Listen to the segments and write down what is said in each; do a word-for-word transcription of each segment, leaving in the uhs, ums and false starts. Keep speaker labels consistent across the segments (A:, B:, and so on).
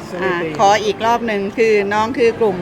A: อ่าขออีกรอบหนึ่งคือน้องคือกลุ่ม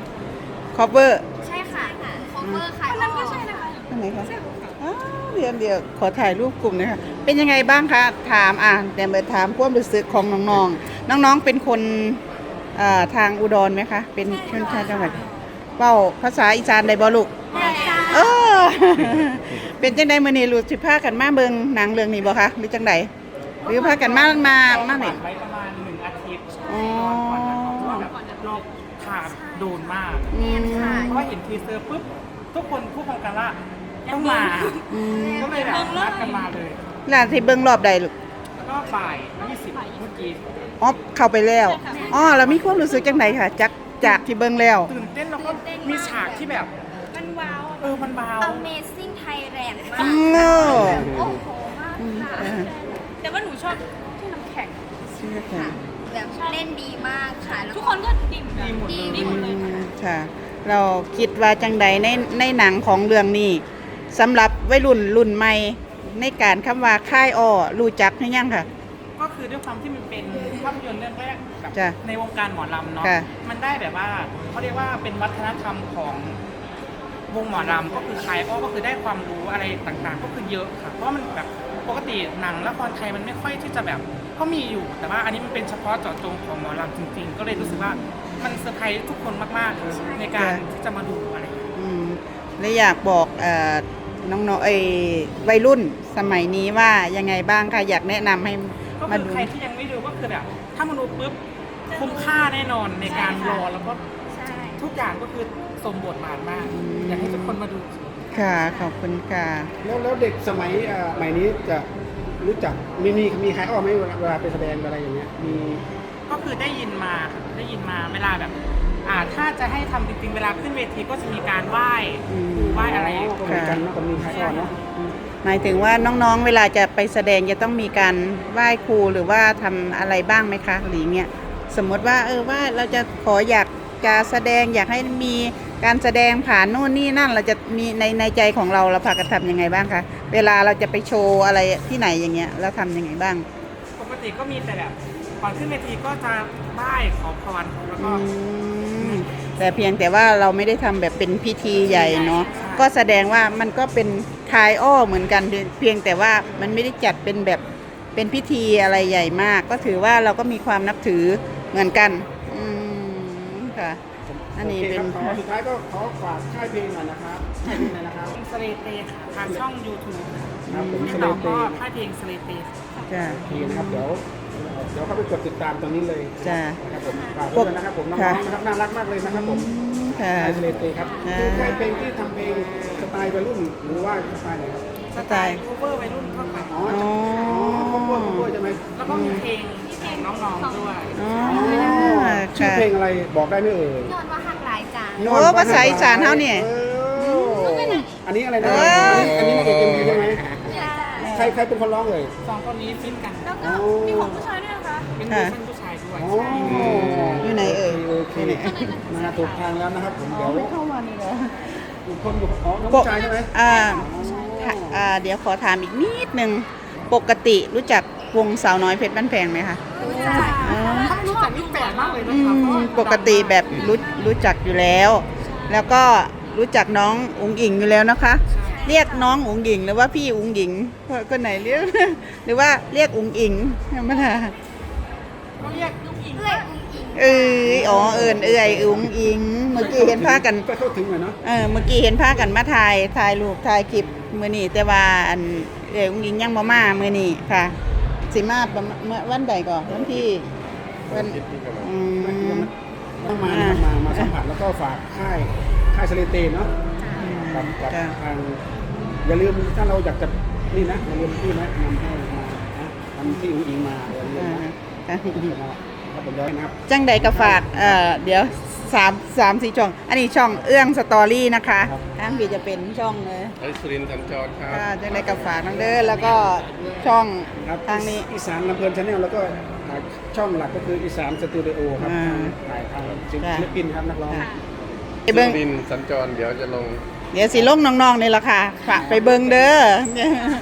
A: cover
B: ใช่ค่ะ cover ค่ะคนนั้นก็ใช่นะคะ
A: อันไหนคะอ้าวเดี๋ยวเดี๋ยวขอถ่ายรูปกลุ่มหนะคะเป็นยังไงบ้างคะถามอ่ะเดี๋ยวมาถามความรู้สึกของน้องๆน้องๆเป็นคนอ่าทางอุดรไหมคะเป็นชนชาติจังหวัดเว้าภาษาอีสานได้บ่ลูกเออ เป็นจังไดมื้อนี้ลูกสิพากันมาเบิ่งหนังเรื่องนี้บ่คะหรือจังไดหรือพากันมามามานี่
C: ไว้ประมาณหนึ่งอาทิตย์
A: อ๋อ
C: ก่อนนะครับเพราะว่าแบบรอบขาดโดนมาก
A: อืม
C: เพราะว่าเห็นทีเซอร์ปุ๊บทุกคนพูดพร้อมกันว่าต้องมา
A: อืม
C: ก็เลยแบบนัดกันมาเลย
A: ร้านที่เบิ่งรอบใดลูก
C: แล้วก็บ่ายยี่สิบเมื่อกี้
A: อ๋อเข้าไปแล้วอ๋อแล้วมีความรู้สึกจังไดค่ะจากจากที่เบิ่งแล้ว
C: ตื่นเต้นแล้วก็มีฉากที่แบบ
B: มันว้าว
C: เออมันเบา
B: Amazing Thailand มา
A: อื
B: ก
A: ม
B: โอ้โหมากค่ะ
D: แต่ว่าหนูชอบที่น้ำแข็ง
B: แบบเล่นดีมากค่ะแล้ว
D: ทุกคนก็ดีเหมือนกัน
C: ดีหมดเลย
D: ดีหมดเลย
A: ค่ะ เราคิดว่าจังใดในในหนังของเรื่องนี้สำหรับวัยรุ่นรุ่นใหม่ในการคำว่าค่ายอ้อรู้จักหรือยังค่ะ
C: ก็คือด้วยความที่มันเป็นภาพยนตร์เรื่องแรกแบบ
A: จ้ะ
C: ในวงการหมอลำเนาะ
A: ค่ะ
C: มันได้แบบว่าเขาเรียกว่าเป็นวัฒนธรรมของวงหมอลำก็คือใครก็ก็คือได้ความรู้อะไรต่างๆ ก็คือเยอะค่ะ เพราะว่ามันแบบปกติหนังละครไทยมันไม่ค่อยที่จะแบบก็มีอยู่ แต่ว่าอันนี้มันเป็นเฉพาะเจาะจงของหมอลำจริงๆ ก็เลยรู้สึกว่ามันเซอร์ไพรส์ทุกคนมากๆเลยในการที่จะมาดูอะไรอย่างเงี้ย
A: อืมและอยากบอกเอ่อน้องๆเอ้ยวัยรุ่นสมัยนี้ว่ายังไงบ้างค่ะอยากแนะนำให้
C: ก็
A: มา
C: คือ
A: ดู
C: ใครที่ยังไม่ดูก็คือแบบถ้ามาดูปุ๊บคุ้มค่าแน่นอนในการรอแล้วก็
B: ใช่
C: ทุกอย่างก็คือสมบทบาทมาก อยากให้ทุกคนมาดู
A: ค่ะขอบคุณค่ะ
E: แล้วแล้วเด็กสมัยอ่าใหม่นี้จะรู้จักมีมีมีใครอ้อมไหมเวลาเวลาไปแสดงอะไรอย่างเงี้ยมี
C: ก็คือได้ยินมาครับได้ยินมาเวลาแบบอ่าถ้าจะให้ทำจริงๆเวลาขึ้นเวทีก็จะมีการไหว้
A: อืม
C: ครูไหว้อะไร
E: ก็เหมือนกันเนอะก็มีใครอ้อมเนาะ
A: หมายถึงว่าน้องๆ เวลาจะไปแสดงจะต้องมีการไหว้ครูหรือว่าทำอะไรบ้างไหมคะหรือเงี้ยสมมติว่าเออว่าเราจะขออยากจะแสดงอยากให้มีการแสดงผ่านโน่นนี่นั่นเราจะมีในในใจของเราเราพากันทำยังไงบ้างคะเวลาเราจะไปโชว์อะไรที่ไหนอย่างเงี้ยเราทำยังไงบ้าง
C: ปกติก็มีแต่แบบก่อนขึ้นเวทีก็จะไหว้ขอพรแล้วก็
A: อืมแต่เพียงแต่ว่าเราไม่ได้ทำแบบเป็นพิธีใหญ่เนาะ
C: ใช่
A: ก็แสดงว่ามันก็เป็นคลายอ้อเหมือนกันเพียงแต่ว่ามันไม่ได้จัดเป็นแบบเป็นพิธีอะไรใหญ่มาก ก็ถือว่าเราก็มีความนับถือเหมือนกันอืมค่ะอันนี้
E: โอเค
A: เป็
E: คน รับขอสุดท้ายก็ขอฝากค่ายเพลงหน่อยนะครับค่ายเพลงหน่อยนะครับ
C: สเลเตค่ะทางช่อง YouTube
E: ครับผม
C: ติด
E: สเล
C: ต่อ
E: เต
C: ก็ค่ายเพลงสเลเต
A: จ้ะ
E: โอเคนะครับเดี๋ยวเดี๋ยวเข้าไปกดติดตามตรงนี้เลย
A: จ้ะ
E: นะครับผมฝากด้วยนะครับผมน้องๆนะครับน่ารักมากเลยนะครับผม
A: ค่ะ
E: ค่ายสเลเตครับ
A: ค่ะ
E: คือค่ายเพลงที่ทำเพลงสไตล์วัยรุ่นหรือว่าสไตล์ไหนครับ
C: สไตล์ cover วัยรุ่นทั่วไป
E: อ๋ออ๋อครอบครัวครอบครัวใช่ไหม
C: แล้วก็มีเพลงของน้องๆด้วย
A: อ๋อ
E: อ๋อชื่อ
A: ค่ะ
E: เพลงอะไรบอกได้ไหมเอ่ย
B: ยอดว่าหักหลายจาน
A: โอ้ภาษาอีสานเท่าเนี่ย
E: อออันนี้อะไรนะ
A: เออ
E: อันนี้อันนี้นางเอกเอ็มวีใช่ไหม
B: ใช่
E: ใครใครเป็นคนร้องเลย
C: สองคนนี้ฟิตกัน
D: แล้วก็มีของผู้ชายด้วยนะคะ
C: เป็นเวอร์ชันผู้ชายด้วย
E: อ๋อ
A: อยู่ไหนเอ่ย
E: โอเคมาถูกทางแล้วนะครับผมเดี๋ยว
A: ไม่เข้ามานี่เหรอ
E: อีกคนอยู่อ๋อน้องผู้ชายใช่ไหม
A: อ่าค่ะอ่า เดี๋ยวขอถามอีกนิดนึง ปกติรู้จักวงสาวน้อยเพชรบ้านแพงไหมคะ
B: รู้จัก
A: อ๋อ
C: ถ้าไม่รู้จักนี่แปลกมากเลย
A: อื
C: นะครับเพราะ
A: ม
C: ว่า
A: ปกติแบบรู้รู้จักอยู่แล้ว แล้วก็รู้จักน้องอุ๋งอิงอยู่แล้วนะคะ เรียกน้องอุ๋งอิงหรือว่าพี่อุ๋งอิงคนไหนเรียก หรือว่าเรียกอุ๋งอิงธรรมดา
C: ก็เรียก
B: เอื้อยอุ้งอิง
A: เอออ๋อเอิญเอื่อยอุ๋งอิง เมื่อกี้เห็นพากัน
E: ก็เข้าถึงหน่อยเนาะ
A: เออเมื่อกี้เห็นพากันมาถ่ายถ่ายรูปถ่ายคลิปมื้อนี้แต่ว่าอันเอ๋ยอุ้งอิงยังบ่มามื้อนี้ค่ะ สิมาประมาณเมื่อวันใดก่อนวันที่วันอืม
E: ต้องมานะครับมามาสัมผัสแล้วก็ฝากค่ายค่ายสเลเตนเนาะกับกับ
A: จ้ะ
E: ทางอย่าลืมถ้าเราอยากจะนี่นะอย่าลืมที่นะนำให้มานะทำที่อุ้งอิงมาอย่าลืม
A: อ่า
E: นะ
A: ค่ะ
E: ครับผมย้อยนะครับ
A: จังใดก็ฝากเอ่อเดี๋ยวสามสามสี่ช่อง อันนี้ช่องเอื้องสตอรี่นะคะทางบีจะเป็นช่องเลย
F: ไอสุรินทร์สัญจรครับ
A: อ่าจังใดก็ฝากน้องเด้อแล้วก็ช่อง
E: ครับ
A: ทางนี้
E: อีสานลำเพลินชาแนลแล้วก็ช่องหลักก็คืออีสานสตูดิโอครับ
A: อ่า
E: ถ่ายทางศิ
A: จ้ะ
E: ลปินครับนักร้อง
A: ไปเบิ่ง
F: สุรินทร์สัญจรเดี๋ยวจะลง
A: เดี๋ยวสิลงน้องๆนี่ล่ะค่ะฝากไปเบิ่งเด้อ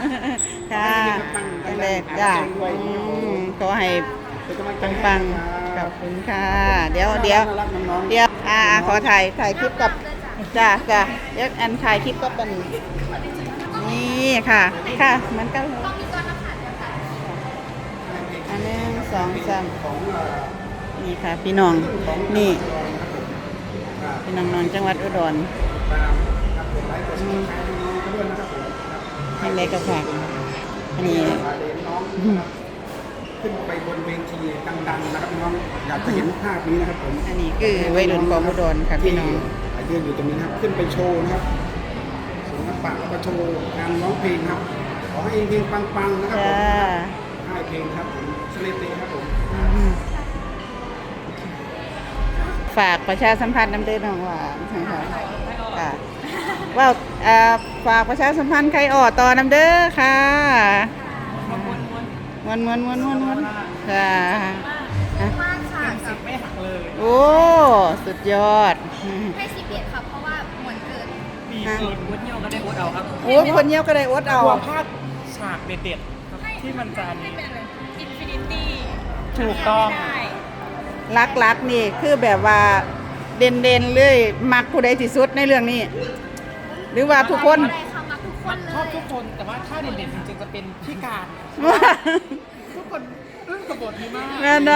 A: ค่ะจังใดจ้าอืมขอให้
E: เป็นกำลังใจให้
A: ปัง
E: นะครับ
A: ๆขอบคุณค่ะ เดี๋ยวเดี๋ยว
E: น่ารักน้องๆ
A: เดี๋ยวอ่าขอถ่ายถ่ายคลิปกับจ้าจ้าเดี๋ยวอันถ่ายคลิปก็เป็นนี่ค่ะค่ะเหมือนกันเลยอันหนึ่งสองสาม
E: ของเอ่อ
A: นี่ค่ะ พี่น้อง
E: ของ
A: นี่
E: ครับ
A: พี่น้องนอนจังหวัดอุดร
E: ครับผมไลฟ์กดแชร์น้องๆเขาด้วยนะครับผมครับ
A: ให้เล็กกับฝากอันนี้
E: พาเด็กน้องนะครับขึ้นไปบนเวทีดังๆนะครับพี่น้องอยากจะเห็นภาพนี้นะครับผม
A: อันนี้คือวัยรุ่นของอุดรค่ะพี่น้อง
E: ที่ยืนอยู่ตรงนี้นะครับขึ้นไปโชว์นะครับศิลปะแล้วก็โชว์การร้องเพลงครับขอให้เพลงปังๆนะครับผม
A: จ้า
E: ให้เพลงครับผมสเลเตครับผม
A: อืมฝากประชาสัมพันธ์น้ำเด้อน้องหวานค่ะค่ะว่าเอ่อฝากประชาสัมพันธ์ใครออต่อน้ำเด้อค่ะมวนมวนมวนมวนมวนค่ะอ่ะ
B: มากค่ะ
C: สิบไม่หักเลย
A: โอ้สุดยอด
B: ให้สิบเอ็ดค่ะเพราะว่าหมวนเกิน
C: ดีเกินวุ้นเยี่ยวก็ได้วุ้นเอาครับ
A: โอ้คนเยี่ยวก็ได้อดเอา
C: กลัวพลาดฉากเด็ดๆครับที่มันจะมี
D: อินฟินิตี้
C: ถูกต้อง
D: ได้
A: รักรักๆนี่คือแบบว่าเด่นเด่นๆเลยมักผู้ใดที่สุดในเรื่องนี้ หรือว่าทุกคน
B: อะไรค่ะมาทุกค
C: มัน น
B: เล
C: ชอบ
B: ย
C: ทุกคนแต่ว่าถ้าเด่นๆจริงๆจะเป็นพี่การทุกคนอึ้งกับบทนี้มาก
A: แม่นนะ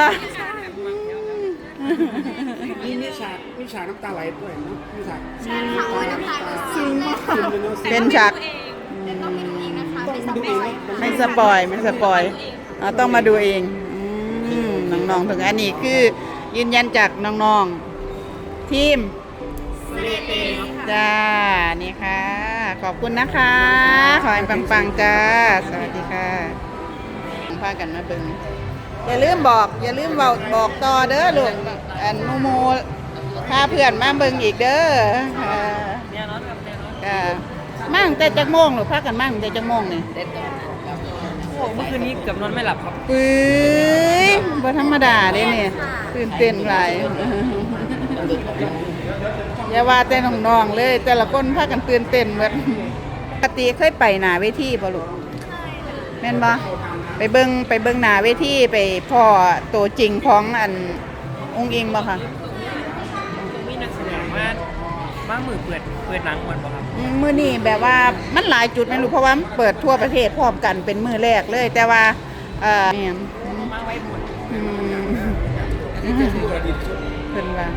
E: มีมีฉากมีฉากน้ำตาไหลด้วยเนาะมีฉาก
B: ใช่ค่ะโอ้ยน้ำตาเลยซึ้งมาก
E: ซึมเลยเนาะ
A: เป็นฉาก
B: แต่ต้องไปดูเองนะคะ
E: ต้อง
B: ไม่
E: มา
B: ส
E: ดู
B: ป
E: เอ
B: อง ย
E: นะ
A: ไม่สปอยไม่สปอยอ่าต้องมาดูเองอืมน้องๆถึงอันนี้คือยืนยันจากน้องๆทีมจ้านี่ค่ะ ขอบคุณนะคะ ขอให้ปังๆจ้า สวัสดีค่ะพากันมาเบิ่งอย่าลืมบอก อย่าลืมบอกบอกต่อเด้อลูกอันโมโมพาเพื่อนมาเบิ่งอีกเด้อค่ะ
C: เนี่ยน้องกับเนี่ยน้อง
A: ค่ะมาตั้งแต่จักโมงหรือพากันมาตั้งแต่จักโมงนี่
C: โอ้เมื่อคืนนี้เกือบนอนไม่หลับครับ
A: ปื้ยบ่ธรรมดาเด้เนี่ยตื่นเต้นหลายอย่าว่าแต่น้องๆเลย แต่ละคนพากันตื่นเต้นหมดปกติเคยไปหน้าเวทีบ่ลูกแม่นบ่ไปเบิ่งไปเบิ่งหน้าเวทีไปพ่อตัวจริงของอันองค์อิงบ่ค่ะ
C: มีนักแสดงว่าบ้ามือเปิดเปิดหนังหมดป่ะครับ
A: อืมมื้อนี้แบบว่ามันหลายจุดแม่นลูกเพราะว่ามันเปิดทั่วประเทศพร้อมกันเป็นมื้อแรกเลย แต่ว่าเอ่อแม่น
C: มาไว้หมด
A: อืมเพิ่นว่า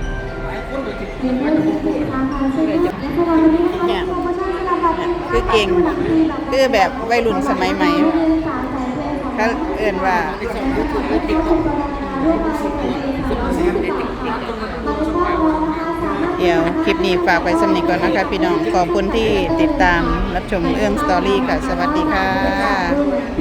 A: เนี่ยคือเก่งคือแบบวัยรุ่นสมัยใหม่เขาเอื่นว่า เดี๋ยวคลิปนี้ฝากไปสำนึกก่อนนะคะพี่น้อง ขอบคุณที่ติดตามรับชมเอื้องสตอรี่ค่ะ สวัสดีค่ะ